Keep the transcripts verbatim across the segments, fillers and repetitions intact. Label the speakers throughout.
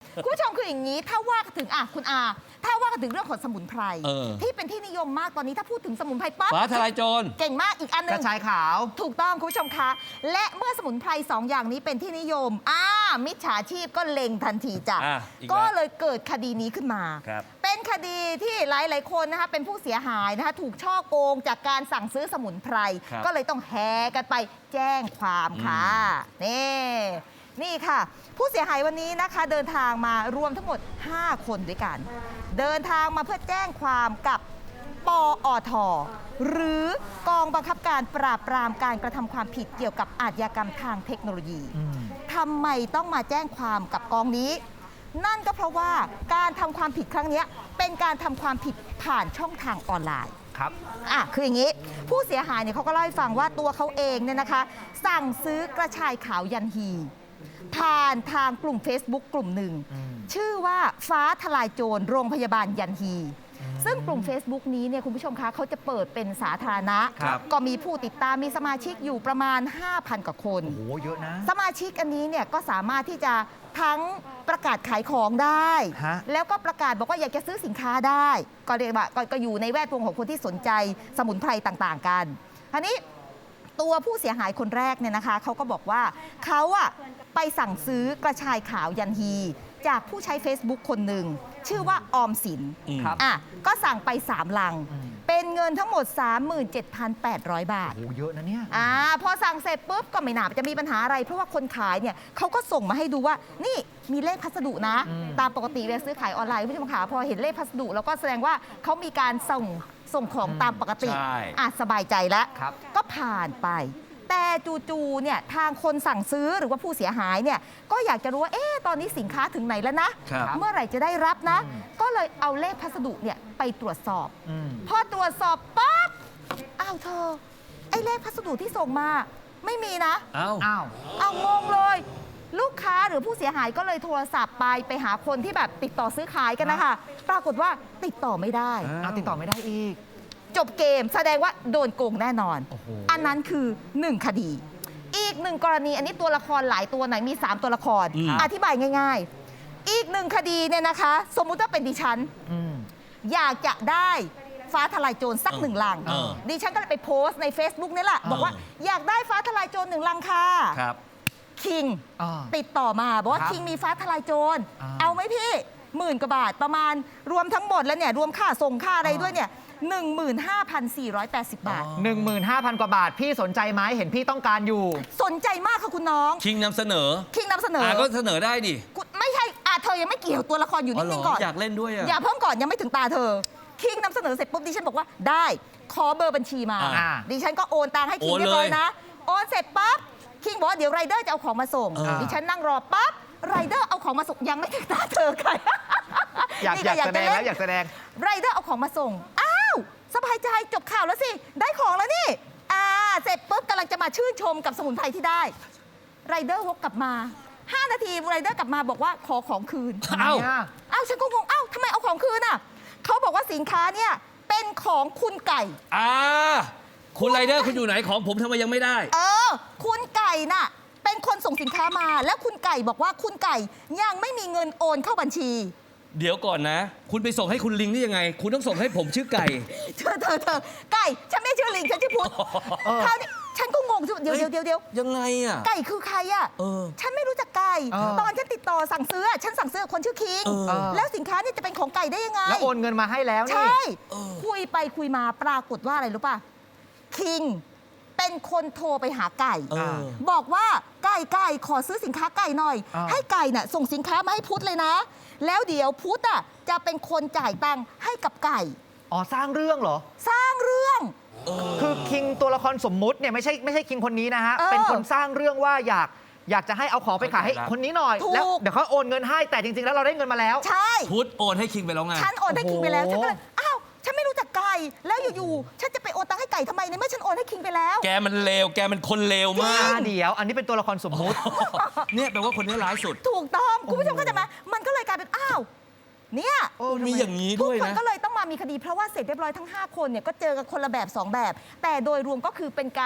Speaker 1: คุณผู้ชมคืออย่างนี้ถ้าว่าถึงอ่ะคุณอาถ้าว่าถึงเรื่องของสมุนไพรที่เป็นที่นิยมมากตอนนี้ถ้าพูดถึงสมุนไพรปั๊บ
Speaker 2: ฟ้าทลายโจร
Speaker 1: เก่งมากอีกอันนึง
Speaker 3: กระชายขาว
Speaker 1: ถูกต้องคุณผู้ชมคะและเมื่อสมุนไพรสองอย่างนี้เป็นที่นิยมอ่ามิจฉาชีพก็เล็งทันทีจ้ะก็เลยเกิดคดีนี้ขึ้นมาเป็นคดีที่หลายๆคนนะคะเป็นผู้เสียหายนะคะถูกช่อโกงจากการสั่งซื้อสมุนไพรก็เลยต้องแห่กันไปแจ้งความค่ะนี่นี่ค่ะผู้เสียหายวันนี้นะคะเดินทางมารวมทั้งหมดห้าคนด้วยกันเดินทางมาเพื่อแจ้งความกับปอท.หรือกองบังคับการปราบปรามการกระทำความผิดเกี่ยวกับอาชญากรรมทางเทคโนโลยีทำไมต้องมาแจ้งความกับกองนี้นั่นก็เพราะว่าการทำความผิดครั้งนี้เป็นการทำความผิดผ่านช่องทางออนไลน์
Speaker 3: ครับ
Speaker 1: อ่ะคืออย่างนี้ผู้เสียหายเนี่ยเขาก็เล่าให้ฟังว่าตัวเขาเองเนี่ยนะคะสั่งซื้อกระชายขาวยันฮีผ่านทางกลุ่ม Facebook กลุ่มหนึ่งชื่อว่าฟ้าทลายโจรโรงพยาบาลยันฮีซึ่งกลุ่ม Facebook นี้เนี่ยคุณผู้ชมคะเขาจะเปิดเป็นสาธารณะก็มีผู้ติดตามมีสมาชิกอยู่ประมาณ ห้าพัน กว่าคน
Speaker 3: โอ้โหเยอะนะ
Speaker 1: สมาชิกอันนี้เนี่ยก็สามารถที่จะทั้งประกาศขายของได้แล้วก็ประกาศบอกว่าอยากจะซื้อสินค้าได้ก็เรียกว่าก็อยู่ในแวดวงของคนที่สนใจสมุนไพรต่างๆกันทีนี้ตัวผู้เสียหายคนแรกเนี่ยนะคะเขาก็บอกว่าเขาอะไปสั่งซื้อกระชายขาวยันฮีจากผู้ใช้ Facebook คนหนึ่งชื่อว่าออมสินอ่ะก็สั่งไปสามลังเป็นเงินทั้งหมด สามหมื่นเจ็ดพันแปดร้อย บาท
Speaker 3: โอ้เยอะนะเนี่ย
Speaker 1: อ่าพอสั่งเสร็จปุ๊บก็ไม่น่าจะมีปัญหาอะไรเพราะว่าคนขายเนี่ยเขาก็ส่งมาให้ดูว่านี่มีเลขพัสดุนะตามปกติเวลาซื้อขายออนไลน์ผู้ชมขาพอเห็นเลขพัสดุแล้วก็แสดงว่าเขามีการส่งส่งของตามปกติอ่ะสบายใจแล้วก็ผ่านไปแต่จู่ๆเนี่ยทางคนสั่งซื้อหรือว่าผู้เสียหายเนี่ยก็อยากจะรู้ว่าเอ๊ะตอนนี้สินค้าถึงไหนแล้วนะเมื่อไหร่จะได้รับนะก็เลยเอาเลขพัสดุเนี่ยไปตรวจสอบพอตรวจสอบปั๊บอ้าวเธอไอ้เลขพัสดุที่ส่งมาไม่มีนะ
Speaker 2: อ้าว
Speaker 3: อ้าว
Speaker 1: เอางงเลยลูกค้าหรือผู้เสียหายก็เลยโทรศัพท์ไปไปหาคนที่แบบติดต่อซื้อขายกันนะคะปรากฏว่าติดต่อไม่ได้
Speaker 3: อ้าวติดต่อไม่ได้อีก
Speaker 1: จบเกมแสดงว่าโดนโกงแน่นอนอันนั้นคือหนึ่งคดีอีกหนึ่งกรณีอันนี้ตัวละครหลายตัวไหนมีสามตัวละคร อ, อธิบายง่ายๆอีกหนึ่งคดีเนี่ยนะคะสมมุติว่าเป็นดิฉันอยากจะได้ฟ้าทลายโจรสักหนึ่งลังดิฉันก็เลยไปโพสต์ใน Facebook นี่แหละบอกว่าอยากได้ฟ้าทลายโจรหนึ่งลังค่ะคิงติดต่อมาบอกว่าคิงมีฟ้าทลายโจรเอาไหมพี่หมื่นกว่าบาทประมาณรวมทั้งหมดแล้วเนี่ยรวมค่าส่งค่าอะไรด้วยเนี่ยหนึ่งหมื่นห้าพันสี่ร้อยแปดสิบ บาท
Speaker 3: หนึ่งหมื่นห้าพัน กว่าบาทพี่สนใจไหมเห็นพี่ต้องการอยู่
Speaker 1: สนใจมากค่ะคุณน้อง
Speaker 2: คิงนำเสนอ
Speaker 1: คิงนำเสนอ
Speaker 2: อ่าก็เสนอได้ดิ
Speaker 1: ไม่ใช่อ่าเธอยังไม่เกี่ยวตัวละครอยู่นิ่งๆก่อน
Speaker 2: อยากเล่นด้วยอ่ะ
Speaker 1: อย่าเพิ่งก่อนยังไม่ถึงตาเธอคิงนำเสนอเสร็จปุ๊บดิฉันบอกว่าได้ขอเบอร์บัญชีมาดิฉันก็โอนตังค์ให้คิงเรียบร้อยนะโอนเสร็จปั๊บคิงบอกว่าเดี๋ยวไรเดอร์จะเอาของมาส่งดิฉันนั่งรอปั๊บไรเดอร์เอาของมาส่งยังไม่ถึงตาเธอใคร
Speaker 3: อยากอยากแสดงแล้วอยากแสดง
Speaker 1: ไรเดอร์เอาของมาส่งอ้าวสบายใจจบข่าวแล้วสิได้ของแล้วนี่อ่าเสร็จปุ๊บกำลังจะมาชื่นชมกับสมุนไพรที่ได้ไรเดอร์วกกลับมาห้านาทีไรเดอร์กลับมาบอกว่าขอของคืน
Speaker 3: อ้าว
Speaker 1: อ้าวฉันก็งงอ้าวทำไมเอาของคืนอ่ะเขาบอกว่าสินค้าเนี่ยเป็นของคุณไก่
Speaker 2: อ่าคุณไรเดอร์คุณอยู่ไหนของผมทำไมยังไม่ได้
Speaker 1: เออคุณไก่น่ะเป็นคนส่งสินค้ามาแล้วคุณไก่บอกว่าคุณไก่ยังไม่มีเงินโอนเข้าบัญชี
Speaker 2: เดี๋ยวก่อนนะคุณไปส่งให้คุณลิงได้ยังไงคุณต้องส่งให้ผมชื่อไก่
Speaker 1: เธอเธอเธอไก่ฉันไม่ชื่อลิงฉันชื่อพุทธคราวนี้ฉันก็งงเดี๋ยวเดี๋ยวเดี๋ยวเดี๋ยว
Speaker 2: ยังไงอ่ะ
Speaker 1: ไก่คือใครอ่ะฉันไม่รู้จักไก่ตอนฉันติดต่อสั่งซื้อฉันสั่งซื้อคนชื่อคิงแล้วสินค้านี่จะเป็นของไก่ได้ยังไง
Speaker 3: แล้วโอนเงินมาให้แล้วนี่
Speaker 1: ใช่คุยไปคุยมาปรากฏว่าอะไรรู้ป่ะคิงเป็นคนโทรไปหาไก่บอกว่าไก่ไก่ขอซื้อสินค้าไก่หน่อยให้ไก่น่ะส่งสินค้ามาให้พุทธเลยนะแล้วเดี๋ยวพุทธอ่ะจะเป็นคนจ่ายตังค์ให้กับไก่
Speaker 3: อ๋อสร้างเรื่องเหรอ
Speaker 1: สร้างเรื่อง
Speaker 3: คือคิงตัวละครสมมุติเนี่ยไม่ใช่ไม่ใช่คิงคนนี้นะฮะเป็นคนสร้างเรื่องว่าอยากอยากจะให้เอาของไปขายให้คนนี้หน่อยแล้วเดี๋ยวเขาโอนเงินให้แต่จริงๆแล้วเราได้เงินมาแล้ว
Speaker 1: ใช่
Speaker 2: พุทธโอนให้คิงไปแล้วไง
Speaker 1: ฉันโอนให้คิงไปแล้วฉันก็เลยอ้าวฉันไม่รู้จักไก่แล้วอยู่ๆฉันจะไปโอนตังค์ให้ไก่ทำไมในเมื่อฉันโอนให้คิงไปแล้ว
Speaker 2: แกมันเลวแกมันคนเลวมาก
Speaker 3: เดี๋ยวอันนี้เป็นตัวละครสมมุติ
Speaker 2: เนี่ยแปลว่าคนนี้ร้ายสุด
Speaker 1: ถูกต้องคุณผู้ชมเข้าใจไหมมันก็เลยกลายเป็นอ้าวเนี่ย
Speaker 2: มีอย่างนี้ด้วยนะ
Speaker 1: ทุกคนก็เลยต้องมามีคดีเพราะว่าเสร็จเรียบร้อยทั้งห้าคนเนี่ยก็เจอกันคนละแบบสองแบบแต่โดยรวมก็คือเป็นการ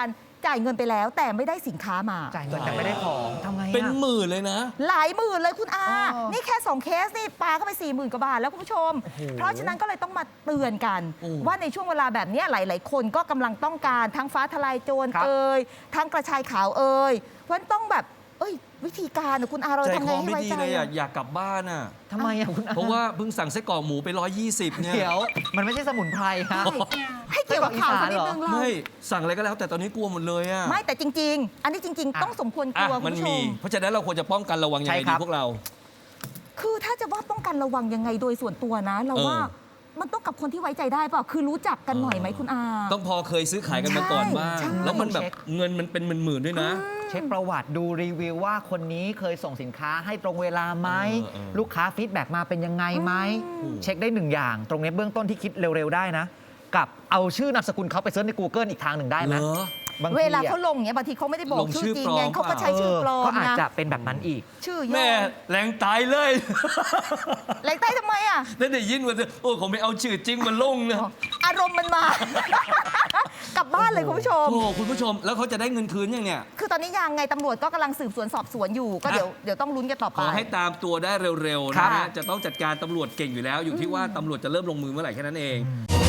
Speaker 1: จ่ายเงินไปแล้ว แต่ไม่ได้สินค้ามา
Speaker 3: จ่ายเงินแต่ไม่ได้ของทำไงอะ
Speaker 2: เป็นหมื่นเลยนะ
Speaker 1: หลายหมื่นเลยคุณอา
Speaker 3: อ๋อ
Speaker 1: นี่แค่ สอง เคสนี่ปาเข้าไป สี่หมื่น กว่าบาทแล้วคุณผู้ชม
Speaker 3: โอ้โห
Speaker 1: เพราะฉะนั้นก็เลยต้องมาเตือนกัน
Speaker 2: โอ้
Speaker 1: ว่าในช่วงเวลาแบบเนี้ยหลาย ๆ คนก็กำลังต้องการทั้งฟ้าทลายโจร
Speaker 3: ครับ
Speaker 1: เอ่ยทั้งกระชายขาวเอ่ยเพราะฉะนั้นต้องแบบเอ้ยวิธีการน่ะคุณอาเรา
Speaker 2: ใจ
Speaker 1: ทำ
Speaker 2: ค
Speaker 1: ไง
Speaker 2: อ
Speaker 1: ให้
Speaker 2: ไม่
Speaker 1: ไว้
Speaker 2: ดี
Speaker 1: ใจ
Speaker 2: เลยอ่ะ
Speaker 1: อะ
Speaker 2: อยากกลับบ้านอ่ะ
Speaker 3: ทำไมอะคุณอา
Speaker 2: เพราะว่าเพิ่งสั่งไส้กรอกหมูไปร้อยยี่สิบเนี่ย
Speaker 3: เดี๋ยวมันไม่ใช่สมุนไพรฮะ
Speaker 1: ให้เกี่ยวกับข่าวสักนิดนึงเรา
Speaker 2: ไม่สั่งอะไรก็แล้วแต่ตอนนี้กลัวหมดเลยอ่ะ
Speaker 1: ไม่แต่จริง ๆ อันนี้จริง
Speaker 3: อ่ะ
Speaker 1: ๆ ต้องสมควรก
Speaker 2: อ่ะ
Speaker 1: ลัวคุ
Speaker 2: มั
Speaker 1: ณ
Speaker 2: น
Speaker 1: ผู้ช
Speaker 2: มี
Speaker 1: ม
Speaker 2: เพราะฉะนั้นเราควรจะป้องกันระวังยังไง
Speaker 3: ใช่ครั
Speaker 2: ดี
Speaker 3: บ
Speaker 2: พวกเรา
Speaker 1: คือถ้าจะว่าป้องกันระวังยังไงโดยส่วนตัวนะ เรา
Speaker 2: เออ
Speaker 1: ว่ามันต้องกับคนที่ไว้ใจได้เปล่าคือรู้จักกันหน่อยไหมคุณอา
Speaker 2: ต้องพอเคยซื้อขายกันมาก่อนบ้าง
Speaker 1: ใช่
Speaker 2: แล้วมันแบบ
Speaker 3: เช็ค
Speaker 2: เงินมันเป็นหมื่นๆด้วยนะ
Speaker 3: เช็คประวัติดูรีวิวว่าคนนี้เคยส่งสินค้าให้ตรงเวลาไหม
Speaker 2: เออเออ
Speaker 3: ลูกค้าฟีดแบ็กมาเป็นยังไงไหมเช็คได้หนึ่งอย่าง ตรงนี้เบื้องต้นที่คิดเร็ว ๆ ได้นะ กับเอาชื่อนามสกุลเขาไปเซิร์ชใน Google อีกทางหนึ่งได้ไหม
Speaker 2: เหรอ
Speaker 3: บางที
Speaker 1: เวลา
Speaker 3: อะ
Speaker 1: เขาลงเนี่ยบางทีเขาไม่ได้บอก
Speaker 2: ลงชื่
Speaker 1: ชื่
Speaker 2: อ
Speaker 1: อจริง
Speaker 2: ปลอม
Speaker 1: ไงเขาก็ใช้ชื่อปลอ
Speaker 3: ก็
Speaker 1: ม
Speaker 3: อาจ
Speaker 1: นะ
Speaker 3: จะเป็นแบบนั้นอีก
Speaker 1: ชื่อย่อ
Speaker 2: แม่แรงตายเลย
Speaker 1: แรงใต้ทำไมอ่ะ
Speaker 2: นั่นได้ยินว่าโอ้ผมไม่เอาชื่อจริงมาลงนะ
Speaker 1: อารมณ์มันมา กลับบ้านเลยคุณผู้ชม
Speaker 2: โอ้คุณผู้ชมแล้วเขาจะได้เงินคืนยังเนี่ย
Speaker 1: คือตอนนี้ยังไงตำรวจก็กำลังสืบสวนสอบสวนอยู่ ก็เดี๋ยวเดี๋ยวต้องลุ้นกันต่อ
Speaker 2: ข
Speaker 1: ไป
Speaker 2: อให้ตามตัวได้เร็วๆ
Speaker 3: ครั
Speaker 2: นะ
Speaker 3: บ
Speaker 2: ฮะจะต้องจัดการตำรวจเก่งอยู่แล้ว อยู่ที่ว่าตำรวจจะเริ่มลงมือเมื่อไหร่แค่นั้นเอง
Speaker 3: อืม